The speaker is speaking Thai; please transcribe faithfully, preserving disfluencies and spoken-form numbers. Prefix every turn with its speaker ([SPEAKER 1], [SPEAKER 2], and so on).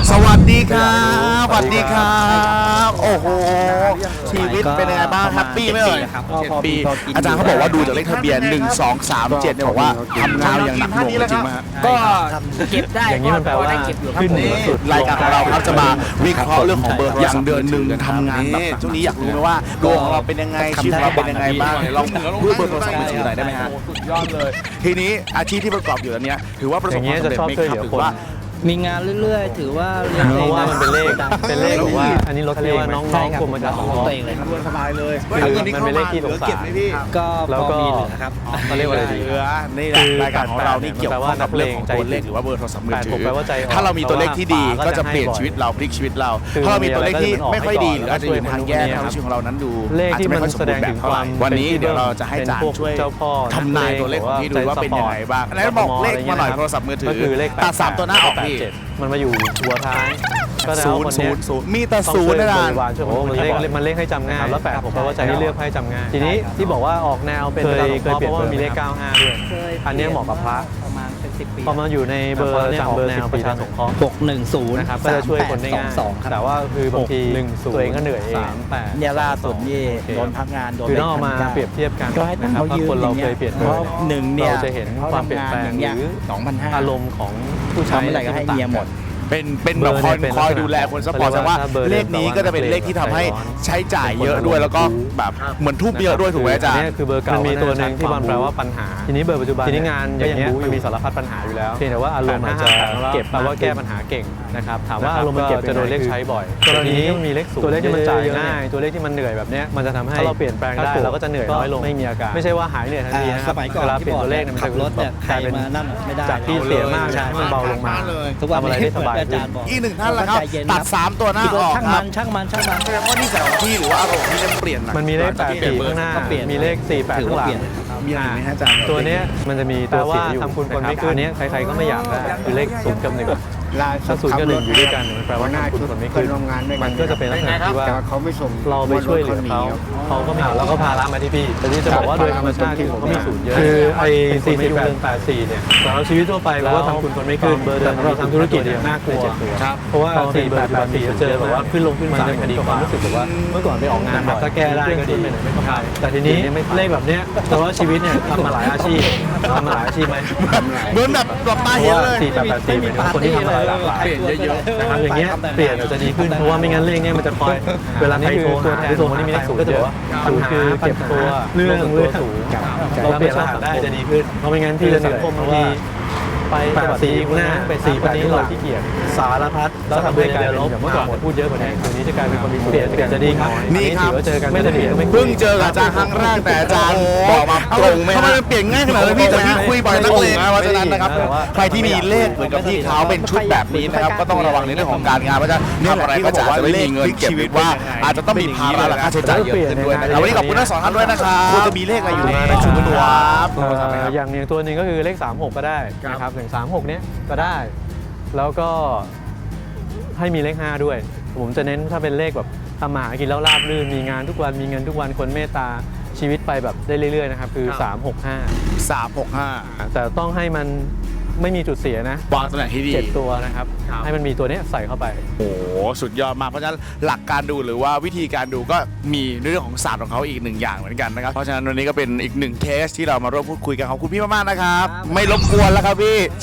[SPEAKER 1] สวัสดีครับสวัสดีครับโอ้โหชีวิตเป็นยังไงบ้างแฮปปี้ไหมเอ่ยเจ็ดปีอาจารย์เขาบอกว่าดูจากเลขทะเบียนหนึ่ง สอง สาม เจ็ดเนี่ยบอกว่าทำงานอย่างหนักหน่วงจริงไหมฮะ
[SPEAKER 2] ก็เก็บได้
[SPEAKER 3] อย่างนี้มันแปลว่า
[SPEAKER 1] ขึ้นเหนือสุดรายการของเราครับจะมาวิเคราะห์เรื่องของเบอร์อย่างเดือนหนึ่งทำงานแบบช่วงนี้อยากรู้ไหมว่าดวงของเราเป็นยังไงชีวิตของเราเป็นยังไงบ้างลองพูดเบอร์โทรศัพท์มือถือหน่อยได้ไหมฮะสุดยอดเลยทีนี้อาชีพที่ประกอบอยู่ตอนนี้ถือว่าประสบความสำเร็จไหมครับหรือว่า
[SPEAKER 2] มีงานเรื่อยๆถือว่า
[SPEAKER 3] เพราะว่ามันเป็นเลขเป็นเลขบอกว่าอันนี้รถเรียกว่าน้องๆกรมประชาสังคม
[SPEAKER 2] ตัวเองเลยครับ
[SPEAKER 1] สบายเลย
[SPEAKER 3] คือมันเป็นเลขที่สงสาร
[SPEAKER 2] ก็
[SPEAKER 3] แล้วก็
[SPEAKER 2] มีเหลือครับ
[SPEAKER 3] เขาเรียกว่าอะไรดี
[SPEAKER 1] เหลือนี่แหละรายการของเรานี่เกี่ยวข้องกับเรื่องของตัวเลขหรือว่าเบอร์โทรศัพท์มือถือถ้าเรามีตัวเลขที่ดีก็จะเปลี่ยนชีวิตเราพลิกชีวิตเราถ้าเรามีตัวเลขที่ไม่ค่อยดีหรืออาจจะอยู่ทางแย่ทำให้ชีวิตของเรานั้นดูอาจจะไม่ค่อยสมบูรณ์แบบเท่าไหร่วันนี้เดี๋ยวเราจะให้อาจารย์ช่วยทำนายตัวเลขของพี่ดูว่าเป็นยังไงบ้างแล้วบอกเลขมาหน่อยโทรศัพท์มือถือตัดสามตัวหน้าออกพี่
[SPEAKER 3] มันมาอยู่หัวท้ายก็
[SPEAKER 1] ศูนย์ศูนย์ศูนย์มีแต่ศูนย์นะ
[SPEAKER 3] โอ้มันเลขมันเลขให้จำง่ายแล้วแปดผมแปลว่าใจที่เลือกให้จำง่ายทีนี้ที่บอกว่าออกแนวเป็นเคยเคยเปลี่ยนเพราะว่ามีเลขเก้าห้าด้วยอันนี้เหมาะกับพระ
[SPEAKER 2] ประมาณเป็นสิบปี
[SPEAKER 3] พอมาอยู่ในเบอร์เนี่ยออกแนวประชาสงเคราะห์
[SPEAKER 2] หกหนึ่งศูนย์
[SPEAKER 3] นะครับก็จะช่วยคนได้ง่ายแต่ว่าคือบางทีตัวเองก็เหนื่อยเอง
[SPEAKER 2] เนี่ยล่าสุดนี่โดนพักงานโดน
[SPEAKER 3] คือต้องเอามาเปรียบเทียบกันนะครับถ้าคนเราเคยเปลี่ยนเบอร์
[SPEAKER 2] หนึ่งเนี่ย
[SPEAKER 3] เราจะเห็นความเปลี่ยนแปลงหรืออารมณ์ของผู้ใช้
[SPEAKER 2] อะไรก็ให้เมียหมด
[SPEAKER 1] เป็นเป็นแบบคอยคอยดูแลคนซัพพอร์ตแสดงว่าเลขนี้ก็จะเป็นเลขที่ทำให้ใช้จ่ายเยอะด้วยแล้วก็แบบเหมือนทุบเยอะด้วยถูกไหมอาจารย์
[SPEAKER 3] นี่คือเบอร์เก่ามันมีตัวหนึ่งที่มันแปลว่าปัญหาทีนี้เบอร์ปัจจุบันทีนี้งานอย่างเงี้ยมันมีสารพัดปัญหาอยู่แล้วเพียงแต่ว่าอารมณ์มันจะเก็บแปลว่าแก้ปัญหาเก่งนะครับถามว่าอารมณ์มันเก็บจะโดนเลขใช้บ่อยกรณีที่มีเลขศูนย์ตัวเลขที่มันจ่ายง่ายตัวเลขที่มันเหนื่อยแบบนี้มันจะทำให้ถ้าเราเปลี่ยนแปลงได้เราก็จะเหนื่อยน้อยลงไม่มีอาการไม่ใช่ว่าหายเหนื่อยทันทีนะครับเวลาเปลี่ยนตัวเลขมันจะ
[SPEAKER 2] รถเนี่ยใครมานั่นไม่ได้
[SPEAKER 3] จากที่เสียมากให้มันเบาลงมา
[SPEAKER 2] ทุกวัน
[SPEAKER 3] อะไรได้สบาย
[SPEAKER 1] อีกหนึ่งท่านละครับตัดสามตัวหน้าออก
[SPEAKER 2] ช่างมันช่างมันช่างมัน
[SPEAKER 1] แสดงว่านิสัยของพี่หรือว่าอารมณ์พี่จะเปลี่ยน
[SPEAKER 3] มันมีเลขแปดสี่ข้างหน้ามีเลขสี่แปดข้างหลัง
[SPEAKER 1] มีอะไรไหมอาจารย์
[SPEAKER 3] ตัวนี้มันจะมีตัวเสียอยู่ทำคุณคนไม่ขึ้นนี้ใครๆก็ไม่อยากได้คือเลขศูนย์กับหนึ่งถ้าศูนย์กับหนึ่งอยู่ด้วยกันมันแปลว่าหน้าคุณคนไม่ขึ้นมันก็จะเป็นลักษณะที่ว่า
[SPEAKER 4] เขาไม่ส่ง
[SPEAKER 3] เราไปช่วยเหลือเขาเขาก็ไม่เอาแล้วก็พาละมาที่พี่แต่ที่จะบอกว่าโดยธรรมชาติที่ผมก็มีศูนย์เยอะคือไอ้สี่สิบแปดแปดสี่เนี่ยเราชีวิตทั่วไปเราทำคุณคนไม่ขึ้นเบอร์เดิมเราทำธุรกิจเนี่ยน่ากลัวเพราะว่าสี่แปดแปดสี่เจอแบบว่าขึ้นลงขึ้นศาลคดีความรู้สึกแบบว่าเมื่อก่อนไปออกงานแบบถ้าแก้ได้ก็ดีแต่ทีนี้เลขแบบเนี้ยแต่ว่าชีวิตเนี่ยทำมาหลายอาชีพทำมาหลายอาชีพไหม
[SPEAKER 1] เหมือนแบบหลับตาเห็นเลย
[SPEAKER 3] สี่แปดแปดสี่เป็นคนที่ทำอะไรหลากหลายเปลี่ยนเยอะๆนะครับอย่างเงี้ยเปลี่ยนจะดีขึ้นเพราะว่าไม่งั้นเลขเนี้ยมันจะคอยเวลาใครโทรหาหรือโทรคนที่มีเลขศูนย์ก็จะบอกว่าปัญหาเก็บตัวเรื่องเรื่องสูงเราเปลี่ยนรหัสได้จะดีขึ้นเพราะไม่งั้นพี่จะเหนื่อยบางทีไปแปดสี่หน้าไปสี่คนนี้เราขี้เกียจสารพัดแล้วทำให้กลายเป็นลบเมื่อก่อนพูดเยอะกว่านี้ทีนี้จะกลายเป็นคนมีเปลี่ยนเปลี่ยนจะดีครับ
[SPEAKER 1] นี่ครับ
[SPEAKER 3] เจอกันไม่ได้เปลี่ยน
[SPEAKER 1] เพิ่งเจออาจารย์ครั้งแรกแต่อาจารย์บอกมาตรงไหมทำไมมันเปลี่ยนง่ายขนาดนี้พี่แต่พี่คุยบ่อยนักเลยนะเพราะฉะนั้นนะครับใครที่มีเลขเหมือนกับพี่เขาเป็นชุดแบบนี้นะครับก็ต้องระวังในเรื่องของการงานเพราะฉะนั้นทำอะไรก็จะไม่มีเงินเก็บหรือว่าอาจจะต้องมีภาระและค่าใช้จ่ายเยอะขึ้นด้วยนะครับวันนี้ขอบคุณทั้งสองท่านด้วยนะครับคุณจะมีเลขอะไรอยู่ในชุดตัว
[SPEAKER 3] อย่างอย่างตัวนึงก็คือเลขสามหกก็ได้นะครับอย่างสามหกเนี้ยก็ได้แล้วก็ให้มีเลขห้าด้วยผมจะเน้นถ้าเป็นเลขแบบทำมาหากินแล้วราบรื่นมีงานทุกวันมีเงินทุกวันคนเมตตาชีวิตไปแบบได้เรื่อยๆนะครับคือสามหกห้า
[SPEAKER 1] สามหกห้า
[SPEAKER 3] แต่ต้องให้มันไม่มีจุดเสียนะ
[SPEAKER 1] วางตำแหน่งที่ดี
[SPEAKER 3] เจ็ดตัวนะครับให้มันมีตัวนี้ใส่เข้าไป
[SPEAKER 1] โอ้สุดยอดมากเพราะฉะนั้นหลักการดูหรือว่าวิธีการดูก็มีเรื่องของศาสตร์ของเขาอีกหนึ่งอย่างเหมือนกันนะครับเพราะฉะนั้นวันนี้ก็เป็นอีกหนึ่งเคสที่เรามาร่วมพูดคุยกันขอบคุณพี่มากๆนะครับไม่รบกวนแล้วครับพี่